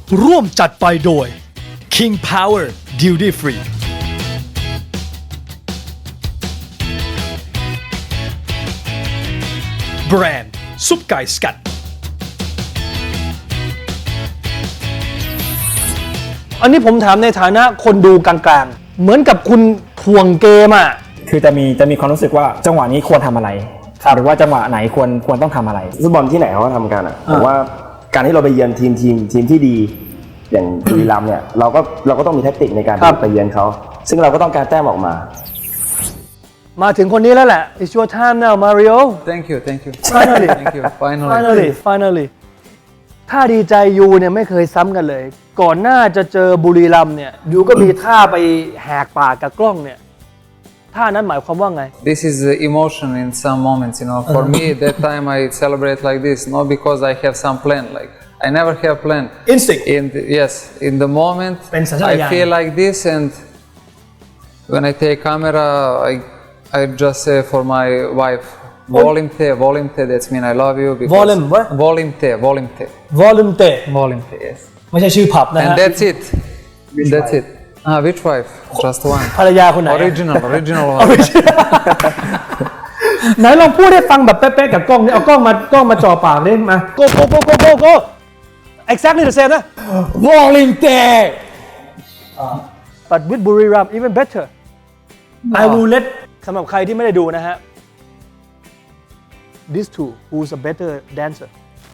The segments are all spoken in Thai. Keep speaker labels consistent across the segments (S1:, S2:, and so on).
S1: ร่วมจัดไปโดย King Power Duty Free แบรนด์ซุปไก่สกัดอันนี้ผมถามในฐานะคนดูกลางๆเหมือนกับคุณถ่วงเกมอ่ะ
S2: คือจะมีความรู้สึกว่าจังหวะนี้ควรทำอะไรหรือว่าจังหวะไหนควรต้องทำอะไร
S3: ฟุตบอลที่ไหนเขาก็ทำกันผมว่าการที่เราไปเยือนทีมที่ดีอย่างบุรีรัมย์เนี่ยเราก็ต้องมีแทคติกในการไปเยือนเขาซึ่งเราก็ต้องการแต้มออกมา
S1: ถึงคนนี้แล้วแหละ It's your time now Mario
S4: Thank you
S1: Finally
S4: Thank you
S1: Finally ถ้าดีใจยูเนี่ยไม่เคยซ้ำกันเลยก่อนหน้าจะเจอบุรีรัมย์เนี่ยยูก็มีท่าไปแหกปากกับกล้องเนี่ยท่านั้นหมายความว่าไง
S4: This is emotion in some moments, you know. For me, that time I celebrate like this, not because I have some plan. Like I never have plan.
S1: Instinct.
S4: In the moment,
S1: เป็นสัญชาตญาณ
S4: I feel like this, and when I take camera, I just say for my wife, Volumte. That's mean I love you. Volumte. Yes.
S1: ไม่ใช่ชื่อผับนะฮะ
S4: And that's it. That's it. Which wife? Just one.
S1: ภรรยาคนไหน
S4: Original one.
S1: ไหนลองพูดให้ฟังแบบเป๊ะๆกับกล้องนี่เอากล้องมาจ่อปากเลยมา go exactly the same นะ
S2: Volunteer
S1: but with Buriram even better I will let สำหรับใครที่ไม่ได้ดูนะฮะ these two who's a better dancer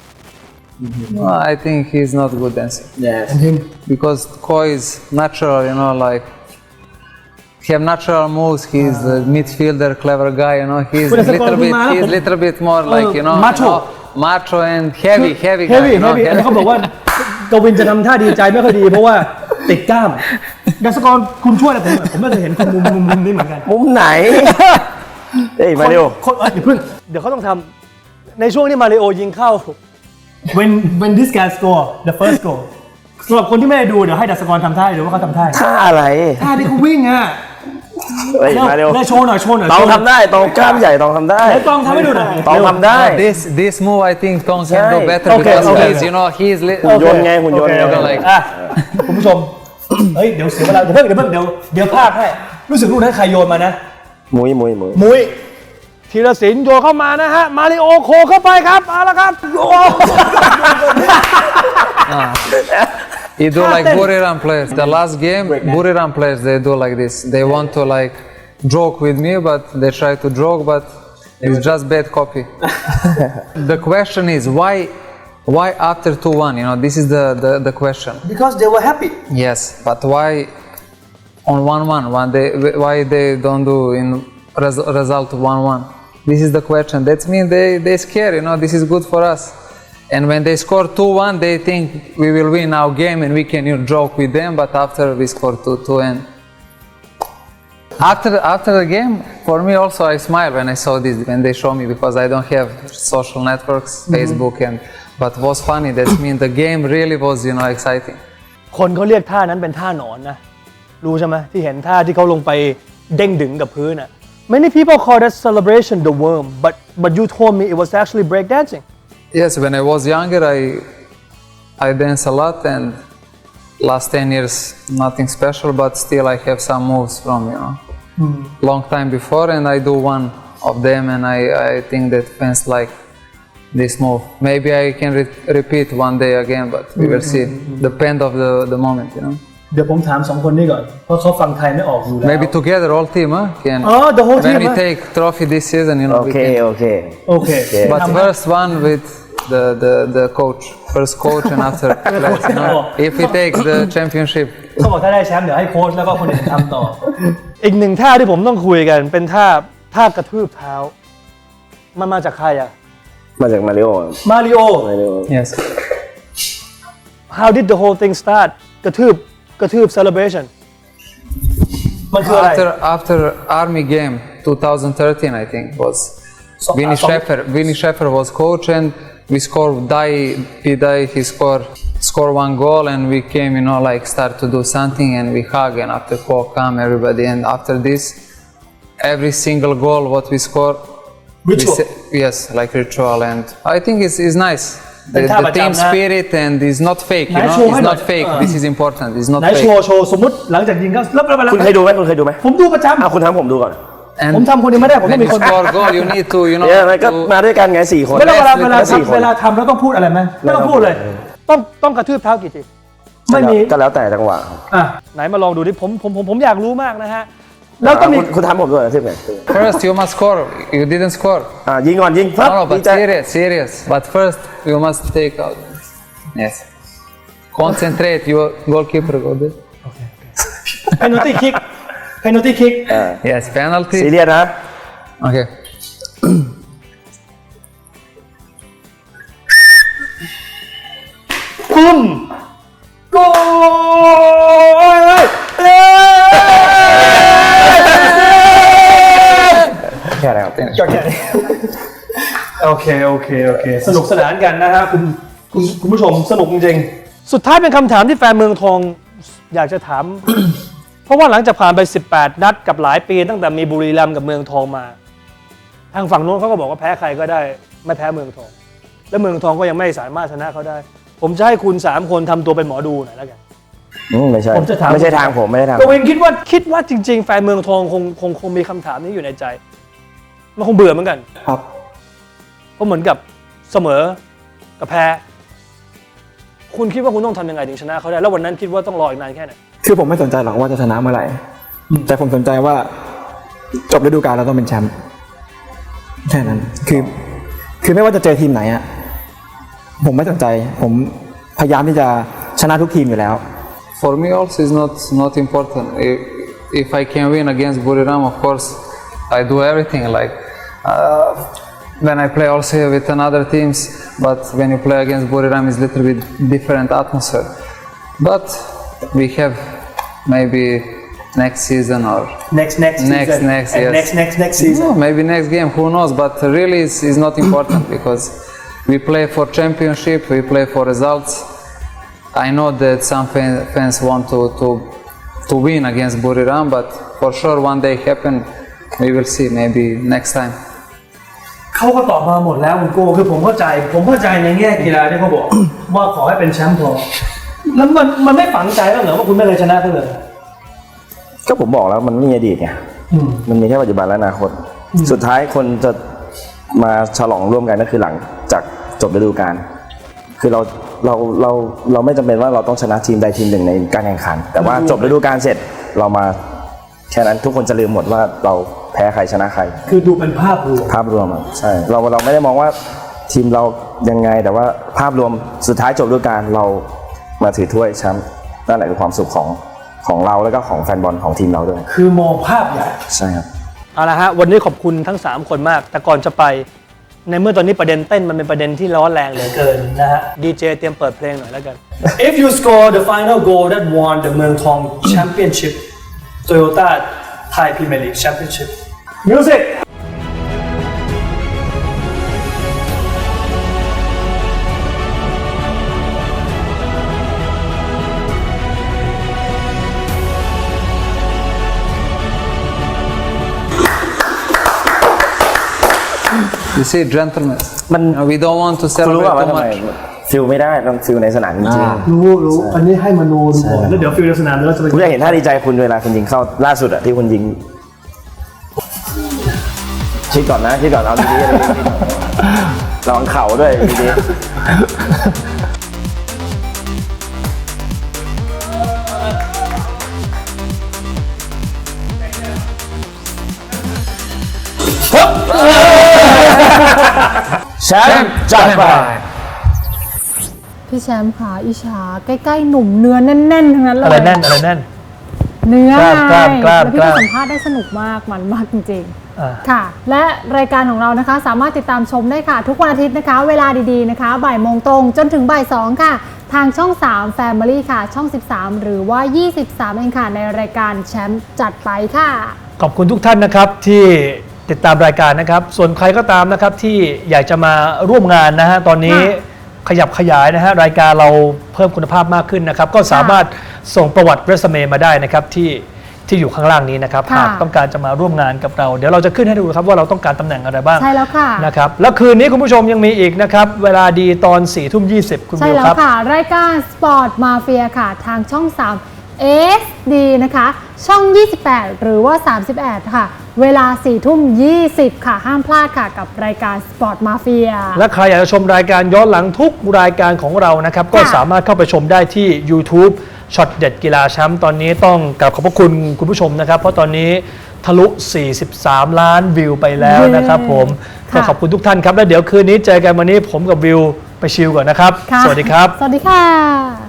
S4: I think he's not a good dancer.
S2: Yes.
S4: Because Koi is natural, you know, like he have natural moves. He's a midfielder, clever guy, you know. He's little bit more like, you know, macho and heavy guy. You know,
S1: เขาบอกว่ากวินจะทำท่าดีใจไม่ค่อยดีเพราะว่าติดกล้ามดัชกรคุณช่วยอะไรผมไม่เคยเห็นคุณมุมนี้เหมือนกัน
S3: มุมไหนเฮ้ยมาเร็ว
S1: เดี๋ยวเขาต้องทำในช่วงที่มาริโอยิงเข้าwhen this guy score the first goal สำหรับคนที่ไม่ได้ดูเดี๋ยวให้ดัชกรทำท่าหรือว่าเขาทำท่า
S3: ท่าอะไร
S1: ท่าที่เขาวิ่งอ่ะ
S3: เฮ้ยมาเร็ว
S1: โชว์หน่อย
S3: ต้องทำได้ต้องกล้ามใหญ่ต้องทำได้
S1: ต้องทำให้ดูหน่อย
S3: ต้องทำได้
S4: This move I think Tong can do better because he's, you know, he's
S3: หุ่นยนต์ไงหุ่นยนต์
S4: like
S1: คุณผู้ชมเฮ้ยเดี๋ยวเสียเวลาเดี๋ยวพลาดให้รู้สึกลูกนั้นใครโยนมานะ
S3: มุ้ย
S1: ธีรศิลป์โยนเข้ามานะฮะมาริโอโคเข้าไปครับเอาละครับโย
S4: He do like Buriram players. The last game, Buriram players they do like this. They want to like joke with me, but they try to joke, but it's just bad copy. The question is why after 2-1? You know, this is the question.
S1: Because they were happy.
S4: Yes, but why on 1-1? Why they don't do in result 1-1? This is the question. That means they scare. You know, this is good for us. And when they score 2-1, they think we will win our game and we can joke with them. But after we score 2-2 and after the game, for me also I smile when I saw this when they show me because I don't have social networks, Facebook but was funny. That means the game really was, you know, exciting.
S1: คนเขาเรียกท่านั้นเป็นท่าหนอนนะรู้ใช่ไหมที่เห็นท่าที่เขาลงไปเด้งดึงกับพื้นน่ะ Many people call that celebration the worm, but you told me it was actually breakdancing.
S4: Yes, when I was younger, I dance a lot, and last 10 years nothing special, but still I have some moves from, you know, long time before, and I do one of them, and I think that fans like this move. Maybe I can repeat one day again, but we will see. Depend of the moment, you know.
S1: เดี๋ยวผมถามสองคนนี้ก่อนเพราะเขาฟังไทยไม่ออกอยู่แล้ว
S4: Maybe together all team, huh?
S1: The whole team.
S4: When we take trophy this season, you know.
S3: Okay.
S4: But first one with the coach, first coach, and after players, you know. If we take the championship.
S1: เขาบอกถ้าได้แชมป์เดี๋ยวให้โค้ชแล้วก็คนอื่นทำต่อ อีกหนึ่งท่าที่ผมต้องคุยกันเป็นท่ากระทืบเท้ามันมาจากใครอ่ะ
S3: มาจากมาริโอ
S4: Yes.
S1: How did the whole thing start กระทืบ celebration มันคืออะไร
S4: After Army game 2013 I think was Vinny Schäfer was coach and we scored Pidai he scored one goal and we came, you know, like start to do something and we hug and after call come everybody and after this every single goal what we score
S1: ritual
S4: yes, like ritual and I think it's nice
S1: เป็นท่าประจำ
S4: team
S1: นะ
S4: spirit and is not fake. You
S1: ไหน
S4: know,
S1: โชว์ให้
S4: it's
S1: หน่อย
S4: not fake. This is important. It's not
S1: ไหน
S4: fake.
S1: โชว์สมมติหลังจากยิงก็แล้ว
S3: คุณเคยดูไหมคุณเคยดูไหม
S1: ผมดูประจ
S3: คุณทำผมดูก่อน
S4: And
S1: ผมทำคนเดียวไม่ได้ผมต้อ
S4: when
S1: งมี
S4: you
S1: คน
S4: score goal, you need to, you know,
S3: เนี่ยมันก็
S4: to,
S3: มาด้วยกันไง4 คน
S1: ไม่ต้องเวลา
S3: สี่คน
S1: เวลาทำแล้วต้องพูดอะไรไหมไม่ต้องพูดเลย ต้องกระทืบเท้ากี่ทีไม่มี
S3: ก็แล้วแต่จังหวะ
S1: อ่ะไหนมาลองดูดิผมอยากรู้มากนะฮะแล้วต้องมี
S3: คุณทำผมด้วยที่ไหน
S4: first you must score. You didn't score.
S3: ยิงก่อนยิงปั๊บ
S4: No,
S3: ดี
S4: but
S3: ใจ
S4: serious. But first you must take out. Yes. Concentrate. Your goalkeeper go there.
S1: penalty kick
S4: Yes, penalty.
S3: ซีเรียสนะ
S4: Okay.
S1: ปุ้มโก
S3: แค่ไหนครับ
S1: ก็แค่นี้โอเคสนุกสนานกันนะฮะคุณผู้ชมสนุกจริงๆสุดท้ายเป็นคำถามที่แฟนเมืองทองอยากจะถาม เพราะว่าหลังจากผ่านไป18 นัดกับหลายปีตั้งแต่มีบุรีรัมย์กับเมืองทองมา ทางฝั่งโน้นเขาก็บอกว่าแพ้ใครก็ได้ไม่แพ้เมืองทอง และเมืองทองก็ยังไม่สามารถชนะเขาได้ ผมจะให้คุณ3คนทำตัวเป็นหมอดูหน่อยแล้วกัน
S3: ไม่ใช่
S1: ผมจะถาม
S3: ไม่ใช่ทางผมไม่ใช่ทาง
S1: กวินคิดว่าจริงๆแฟนเมืองทองคงมีคำถามนี้อยู่ในใจ มันคงเบื่อเหมือนกัน
S2: ครับ
S1: เพราะเหมือนกับเสมอกับแพ้ คุณคิดว่าคุณต้องทำยังไงถึงชนะเขาได้ แล้ววันนั้นคิดว่าต้องรออีกนานแค่ไหน
S2: คือผมไม่สนใจหรอกว่าจะชนะเมื่อไหร่แต่ผมสนใจว่าจบฤดูกาลเราต้องเป็นแชมป์แค่นั้นคือไม่ว่าจะเจอทีมไหนอะผมไม่สนใจผมพยายามที่จะชนะทุกทีมอยู่แล้ว
S4: For me also is not important. If I can win against Buriram, of course, I do everything. Like when I play also with another teams, but when you play against Buriram, it's a little bit different atmosphere. But we have maybe next season or
S1: next season
S4: next
S1: and
S4: yes.
S1: next season
S4: No, maybe next game, who knows? But really, it's not important because we play for championship, we play for results. I know that some fans want to win against Buriram, but for sure one day happen. We will see. Maybe next time.
S1: เขาก็ตอบมาหมดแล้วคุณโก้คือผมเข้าใจในแง่กีฬาที่เขาบอก ว่าขอให้เป็นแชมป์พอแล้วมันไม่ฝังใจบ้างเหรอว่าคุณไม่เคยชนะเขาเลย
S3: ก็ผมบอกแล้วมันไม่มีอดีตไงมันมีแค่ปัจจุบันและอนาคต สุดท้ายคนจะมาฉลองร่วมกันก็คือหลังจากจบฤดูกาลคือเราไม่จำเป็นว่าเราต้องชนะทีมใดทีมหนึ่งในการแข่งขัน แต่ว่าจบฤดูกาลเสร็จเรามาแค่นั้นทุกคนจะลืมหมดว่าเราแพ้ใครชนะใคร
S1: คือดูเป็นภาพรวม
S3: ภาพรวมอะใช่เราไม่ได้มองว่าทีมเรายังไงแต่ว่าภาพรวมสุดท้ายจบฤดูกาลเรามาถือถ้วยแชมป์นั่นแหละคือความสุขของเราแล้วก็ของแฟนบอลของทีมเราด้วย
S1: คือมองภาพใหญ่
S3: ใช่ครับ
S1: เอาละฮะวันนี้ขอบคุณทั้ง3คนมากแต่ก่อนจะไปในเมื่อตอนนี้ประเด็นเต้นมันเป็นประเด็นที่ร้อนแรงเหลือเกินนะฮะดีเจเตรียมเปิดเพลงหน่อยแล้วกัน If you score the final goal that won the เมืองทอง Championship Toyota Thai Premier League Championship Music
S4: You see, gentlemen.
S3: มัน
S4: We don't want to
S3: คุณรู้
S4: celebrate
S3: ว่า
S4: too
S3: ทำไม
S4: much.
S3: ฟิลไม่ได้ต้องฟิลในสนามจริง
S1: รู้อันนี้ให้มโนดูก่อนแล้วเดี๋ยวฟิลในสนามแล้วจะไป
S3: ๆผมอยากเห็นท่าดีใจคุณเวลาคุณยิงเข้าล่าสุดอะที่คุณยิงคิดก่อนนะคิดก่อนเอาดีๆระวังเข่าด้วยดีๆแชมป์จัดไป
S5: พี่แชมป์ค่ะอิจฉาใกล้ๆหนุ่มเนื้อแน่นๆทั้งนั้นเลย
S1: อะไรแน่นอะไรแน่น
S5: เนื้อก
S1: ล้าม
S5: ไง
S1: กล้าม
S5: แล้วพี่
S1: กล้าม
S5: ก็สัมภาษณ์ได้สนุกมากมันมากจริง
S1: อ่า
S5: ๆค่ะ และรายการของเรานะคะสามารถติดตามชมได้ค่ะ ทุกวันอาทิตย์นะคะ เวลาดีๆนะคะบ่ายโมงตรงจนถึงบ่าย2ค่ะ ทางช่อง 3 Family ค่ะ ช่อง 13 หรือว่า 23 เองค่ะ ในรายการแชมป์จัดไปค่ะ
S1: ขอบคุณทุกท่านนะครับที่ติดตามรายการนะครับ ส่วนใครก็ตามนะครับที่อยากจะมาร่วมงานนะฮะตอนนี้ขยับขยายนะฮะรายการเราเพิ่มคุณภาพมากขึ้นนะครับ ก็สามารถส่งประวัติเรซูเม่มาได้นะครับที่ที่อยู่ข้างล่างนี้นะครับ
S5: ค่ะ
S1: หากต้องการจะมาร่วมงานกับเรา เดี๋ยวเราจะขึ้นให้ดูครับว่าเราต้องการตำแหน่งอะไรบ้าง
S5: ใช่แล้วค่ะ
S1: นะครับแล้วคืนนี้คุณผู้ชมยังมีอีกนะครับเวลาดีตอน4 ทุ่ม 20คุณ
S5: ใช่
S1: วิว
S5: แล้
S1: คว รับ
S5: ค่ะ รายการ Sport Mafia ค่ะ ทางช่อง 3 SD นะคะ ช่อง 28 หรือว่า 31 ค่ะ เวลา 4 ทุ่ม 20 ค่ะ ห้ามพลาดค่ะ กับรายการ Sport Mafia
S1: และใครอยากจะชมรายการย้อนหลังทุกรายการของเรานะครับก็สามารถเข้าไปชมได้ที่ YouTube ช็อตเด็ดกีฬาแชมป์ตอนนี้ต้องกราบขอบพระคุณคุณผู้ชมนะครับ เพราะตอนนี้ทะลุ 43 ล้านวิวไปแล้วนะครับผม
S5: ค่ะ
S1: ก็ขอบคุณทุกท่านครับ แล้วเดี๋ยวคืนนี้เจอกันวันนี้ผมกับวิวไปชิลก่อนนะครับ
S5: ค่ะ
S1: สวัสดีครับ
S5: สวัสดีค่ะ